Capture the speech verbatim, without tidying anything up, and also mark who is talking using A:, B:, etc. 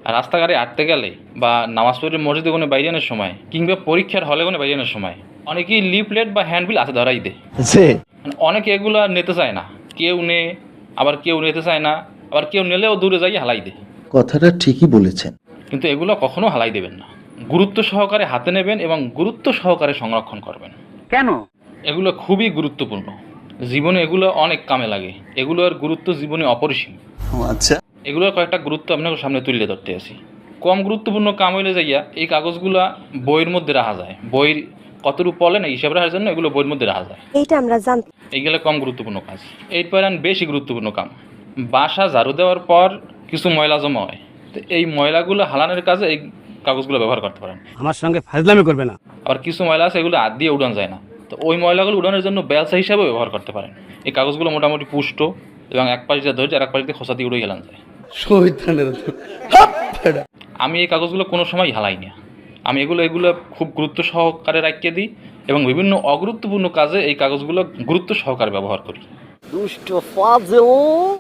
A: রাস্তাঘাটে হাঁটতে গেলে বা নামাজ পড়ে মসজিদে কোনো বাইরানোর সময় কিংবা পরীক্ষার হলে কোনো বাইরানোর সময় অনেকেই লিফলেট বা হ্যান্ডবিল হাতে ধরাই দেয়। মানে অনেকে এগুলো নিতে চায় না, কেউ নে, আবার কেউ নিতে চায় না, আবার কেউ নিলেও দূরে যাই হালাই দেয়।
B: কথাটা ঠিকই বলেছেন।
A: কিন্তু এগুলো কখনো হালাই দেবেন না, গুরুত্ব সহকারে হাতে নেবেন এবং গুরুত্ব সহকারে সংরক্ষণ করবেন।
C: কেন?
A: এগুলো খুবই গুরুত্বপূর্ণ, জীবনে এগুলো অনেক কামে লাগে, এগুলোর গুরুত্ব জীবনে অপরিসীম।
B: আচ্ছা,
A: এগুলোর কয়েকটা গুরুত্ব আপনার সামনে তুলে ধরতে আসি। কম গুরুত্বপূর্ণ কাম হইলে যাইয়া এই কাগজগুলা বইয়ের মধ্যে রাখা যায়, বইয়ের কতটুকু পড়ে না হিসাব রাখার জন্য এগুলো বইয়ের মধ্যে রাখা যায়,
D: এইটা আমরা জানতাম।
A: এইগুলো কম গুরুত্বপূর্ণ কাজ। এরপর আন বেশি গুরুত্বপূর্ণ কাম, বাসা ঝাড়ু দেওয়ার পর কিছু ময়লা জমা হয়, তো এই ময়লাগুলো হালানোর কাজে এই কাগজগুলো ব্যবহার করতে পারেন।
C: আমার সঙ্গে ফাজলামি করবে না।
A: আবার কিছু ময়লা আছে এগুলো হাত দিয়ে উড়ানো যায় না, তো ওই ময়লাগুলো উড়ানোর জন্য বেলসা হিসাবে ব্যবহার করতে পারেন। এই কাগজগুলো মোটামুটি পুষ্ট এবং এক পাশ দিয়ে ধৈর্য আর এক পাশ দিয়ে খোসা দিয়ে উড়ে গেলান যায়। আমি এই কাগজগুলো কোনো সময় হালাই না, আমি এগুলো এগুলো খুব গুরুত্ব সহকারে রাখিয়ে দিই এবং বিভিন্ন অগুরুত্বপূর্ণ কাজে এই কাগজগুলো গুরুত্ব সহকারে ব্যবহার করি।
D: দুষ্ট ফাজিল।